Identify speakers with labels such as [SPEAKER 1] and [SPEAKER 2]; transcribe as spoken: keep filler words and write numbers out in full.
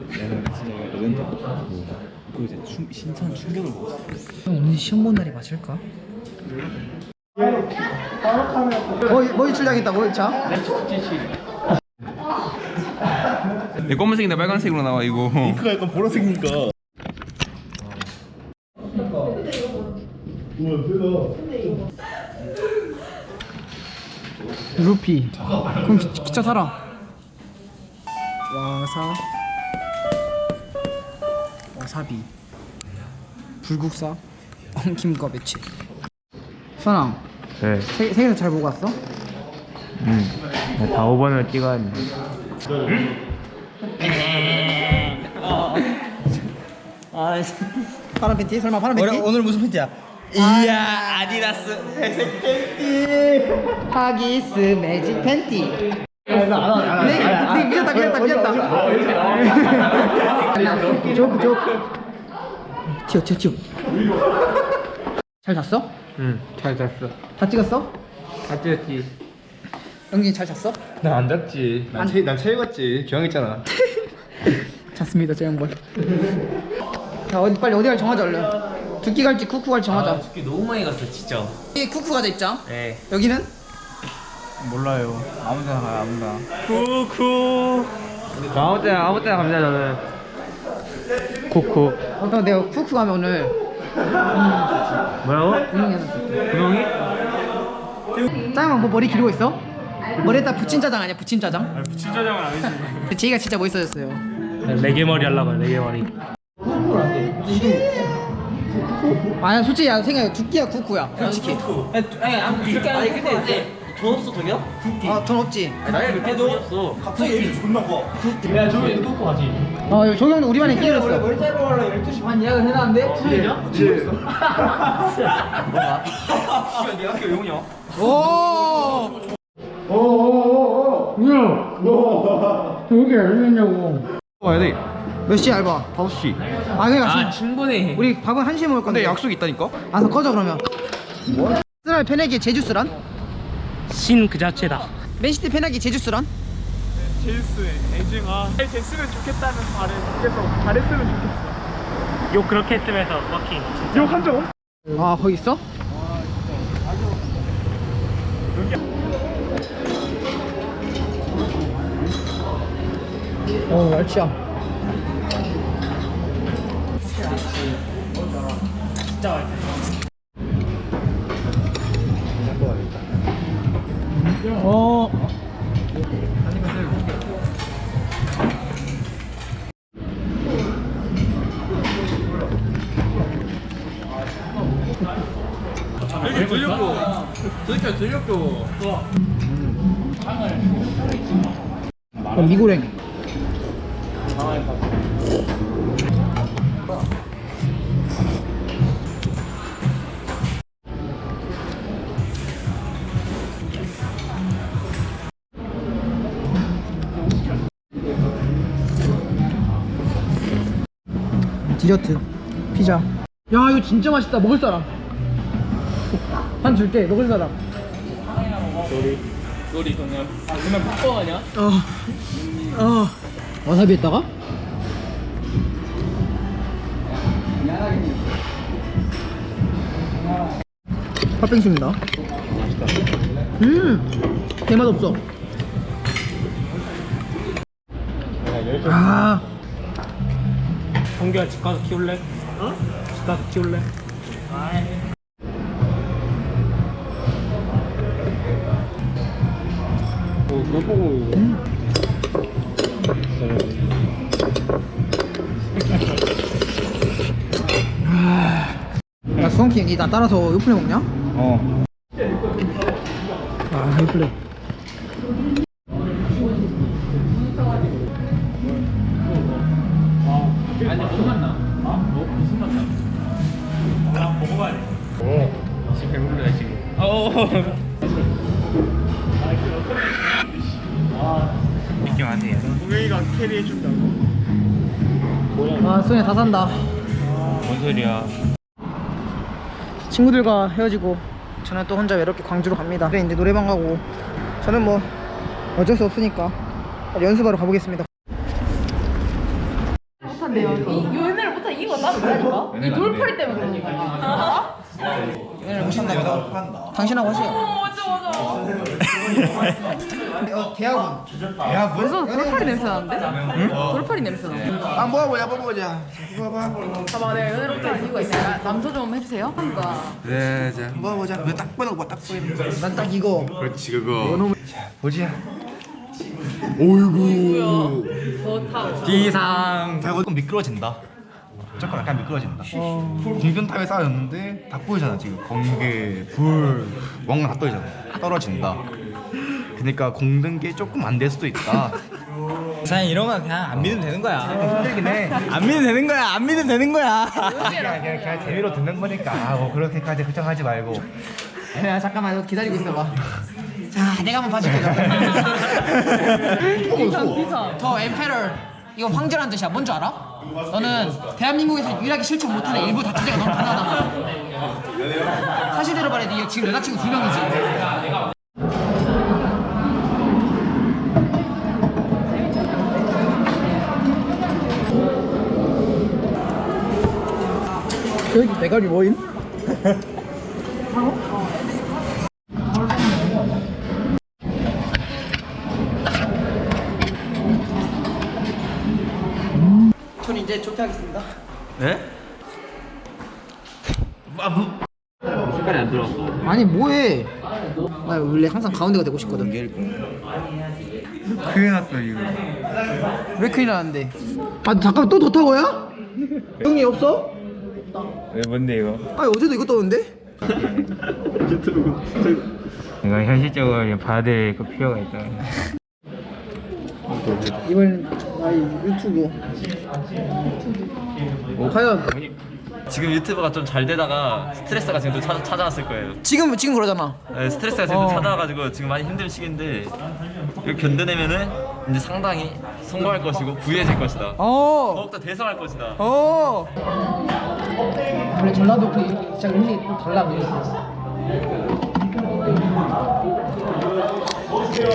[SPEAKER 1] 내가 진짜 레전드. 그 이제 충, 신선 충격을 먹었어.
[SPEAKER 2] 형 오늘 시험 본 날이 맞을까? 뭐, 뭐 이출량했다 뭐 이차?
[SPEAKER 1] 내 검은색인데 빨간색으로 나와 이거.
[SPEAKER 3] 잉크가 약간 보라색이니까. 우와 세다.
[SPEAKER 2] 루피. 그럼 기, 기차 타라. 와사. 와사비. 불국사. 엉킴과 매치. 수아랑.
[SPEAKER 4] 네.
[SPEAKER 2] 세, 세계에서 잘 보고 왔어?
[SPEAKER 4] 음. 다 오 번을 찍어야 돼.
[SPEAKER 2] 파란 팬티? 설마 파란 팬티?
[SPEAKER 1] 오늘, 오늘 무슨 팬티야? 이야 아디다스 회색 팬티.
[SPEAKER 2] 하기스 매직 팬티. 네, 네, 미쳤다, 미쳤다, 미쳤다. 조크, 조크. 튀어, 튀어, 튀어. 잘 잤어?
[SPEAKER 4] 응. 잘 잤어.
[SPEAKER 2] 다 찍었어?
[SPEAKER 4] 다 찍었지.
[SPEAKER 2] 영진이 잘 잤어?
[SPEAKER 3] 난 안 잤지. 난 체, 난 체육했지. 기왕했잖아.
[SPEAKER 2] 잤습니다, 제 양반. 자, 어디 빨리 어디 갈 정하자 얼른. 두끼 갈지 쿠쿠 갈지 정하자.
[SPEAKER 4] 두끼 너무 많이 갔어 진짜.
[SPEAKER 2] 여기 쿠쿠 가자 입장.
[SPEAKER 4] 네.
[SPEAKER 2] 여기는?
[SPEAKER 1] 몰라요. 아무데나 가요 아무데나.
[SPEAKER 4] 쿠쿠. 아무 때나 아무 때나 갑니다 저는. 쿠쿠.
[SPEAKER 2] 어, 형 내가 쿠쿠 가면 오늘
[SPEAKER 4] 뭐라고?
[SPEAKER 2] 분명히 하나 줄게.
[SPEAKER 4] 분홍이?
[SPEAKER 2] 짜장면 뭐 머리 기르고 있어? 머리에다 붙인 짜장 아니야? 붙인 짜장?
[SPEAKER 4] 아니 부친 짜장은 아니지.
[SPEAKER 2] 제이가 진짜 멋있어졌어요.
[SPEAKER 4] 레게 머리 하려고 레게 머리.
[SPEAKER 2] 아니야 솔직히 야 생각해 두끼야 쿠쿠야 솔직히.
[SPEAKER 4] 아니 아니 아니 근데 돈 없어 저기요?
[SPEAKER 2] 아 돈 없지?
[SPEAKER 4] 나이 그렇게 돈이 없어.
[SPEAKER 3] 갑자기 얘기 존나 커. 야 저기 누구 가지?
[SPEAKER 2] 어 여기 조경도 우리 반에 끼어졌어. 머리 자르러 가려고 열두 시 반 예약을 해놨는데 투일이야?
[SPEAKER 3] 그치.
[SPEAKER 4] 네가 학교 용이야?
[SPEAKER 2] 오.
[SPEAKER 3] 오오오오. 야.
[SPEAKER 2] 여기 알겠냐고.
[SPEAKER 1] 와야 돼.
[SPEAKER 2] 몇 시에 알바?
[SPEAKER 1] 다섯 시.
[SPEAKER 2] 아 그러니까
[SPEAKER 4] 아 충분해.
[SPEAKER 2] 우리 밥은 한 시에 먹을 건데.
[SPEAKER 1] 근데 약속 있다니까?
[SPEAKER 2] 알아서 꺼져 그러면. 쓰랄 페나기 제주스란?
[SPEAKER 4] 신 그 자체다.
[SPEAKER 2] 맨시티 페나기 제주스란?
[SPEAKER 5] 제이스의 애증아 잘 됐으면 좋겠다는 말을 밖에서 잘했으면 좋겠어.
[SPEAKER 4] 욕 그렇게 했으면서 워킹.
[SPEAKER 5] 욕한 적 없어.
[SPEAKER 2] 아 거기 있어? 어 멸치야.
[SPEAKER 4] 진짜 맛있어.
[SPEAKER 2] 어.
[SPEAKER 1] 여기 들려줘. 저기까지 들려줘.
[SPEAKER 2] 어, 미고랭. 디저트 피자. 야 이거 진짜 맛있다. 먹을 사람 한 줄게. 먹을 사람.
[SPEAKER 5] 우리 그냥 그냥 뽀뽀 아니야?
[SPEAKER 2] 어. 어. 와사비 했다가? 팥빙수입니다. 음. 개맛 없어. 아.
[SPEAKER 4] 성규야 집 가서 키울래? 어? 집 가서 키울래?
[SPEAKER 3] 어 그거 보고.
[SPEAKER 2] 야 수원킹 니 나 따라서 요플레 먹냐?
[SPEAKER 1] 어.
[SPEAKER 2] 아 요플레.
[SPEAKER 5] 아니 무슨 맛 나? 어? 뭐 무슨 맛 나? 아 먹어봐야 돼.
[SPEAKER 4] 어. 지금 배부르다 지금.
[SPEAKER 5] 어.
[SPEAKER 4] 느낌 안 돼.
[SPEAKER 5] 우영이가 캐리해 준다고.
[SPEAKER 2] 아 수원이 다 산다.
[SPEAKER 4] 뭔 소리야?
[SPEAKER 2] 친구들과 헤어지고 저는 또 혼자 외롭게 광주로 갑니다. 그래 이제 노래방 가고 저는 뭐 어쩔 수 없으니까 연습하러 가보겠습니다.
[SPEAKER 6] 못한대요. 이 연애를 못한 이유가 따로 있다니까. 이 돌팔이 때문에 그런 거야.
[SPEAKER 2] 연애를 못한다 여자 당신하고 하세요.
[SPEAKER 6] 맞아 맞아.
[SPEAKER 2] 어, 대학원. 대학원?
[SPEAKER 6] 벌써 돌팔이 냄새 나는데? 응? 돌팔이 냄새 나.
[SPEAKER 2] 아 모아보자 모아보자. 모아봐.
[SPEAKER 6] 봐봐 내가 연애를 못한 이유가 있어요. 남소 좀 해주세요. 그러니까.
[SPEAKER 1] 그래 자
[SPEAKER 2] 모아보자. 이거 딱 보는 거딱 보이는 거. 난 딱 이거.
[SPEAKER 1] 그렇지 그거
[SPEAKER 2] 자 보자.
[SPEAKER 1] 오이구
[SPEAKER 6] 너 타.
[SPEAKER 1] 기상
[SPEAKER 3] 조금 미끄러진다. 조금 약간 미끄러진다. 공변탑에 쌓였는데 다 보이잖아 지금. 번개, 불, 뭔가 다 떠있잖아. 떨어진다. 그러니까 공든 게 조금 안 될 수도 있다.
[SPEAKER 1] 그냥 이런 건 그냥 안 믿으면 되는 거야
[SPEAKER 3] 힘들긴 해.
[SPEAKER 1] 안 믿으면 되는 거야 안 믿으면 되는 거야
[SPEAKER 3] 그냥, 그냥, 그냥 재미로 듣는 거니까 아, 뭐 그렇게까지 걱정하지 말고.
[SPEAKER 2] 야 잠깐만 너 기다리고 있어봐. 자 내가 한번 봐줄게.
[SPEAKER 6] 비상 비상.
[SPEAKER 2] 더 엠페럴 이건 황제란 뜻이야. 뭔 줄 알아? 너는 대한민국에서 유일하게 실천 못하는 일부 다처제가 너무 가능하다. 사실대로 말해. 네 지금 여자친구 두 명이지. 여기 대가리 뭐임? 전 이제 조퇴하겠습니다.
[SPEAKER 1] 네? 색깔이 안 들어왔어
[SPEAKER 2] 아니 뭐해? 나 원래 항상 가운데가 되고 싶거든.
[SPEAKER 3] 큰일 났어 이거.
[SPEAKER 2] 왜 큰일 나는데? 아 잠깐 또 도타고야? 형이 없어?
[SPEAKER 3] 왜 뭔데 이거?
[SPEAKER 2] 아 어제도 이거 떴는데?
[SPEAKER 3] 이거 현실적으로 봐야 될 그 필요가 있다.
[SPEAKER 2] 이번 아이 유튜브. 과연
[SPEAKER 1] 지금 유튜브가 좀 잘 되다가 스트레스가 지금 또 찾아, 찾아왔을 거예요
[SPEAKER 2] 지금 지금 그러잖아.
[SPEAKER 1] 네, 스트레스가 지금
[SPEAKER 2] 어.
[SPEAKER 1] 찾아와가지고 지금 많이 힘든 시기인데 이거 견뎌내면은 이제 상당히 성공할 것이고 부유해질 것이다
[SPEAKER 2] 어.
[SPEAKER 1] 더욱더 대성할 것이다
[SPEAKER 2] 어. 원래 전라도 그 진짜 음식이 좀 달라 보여.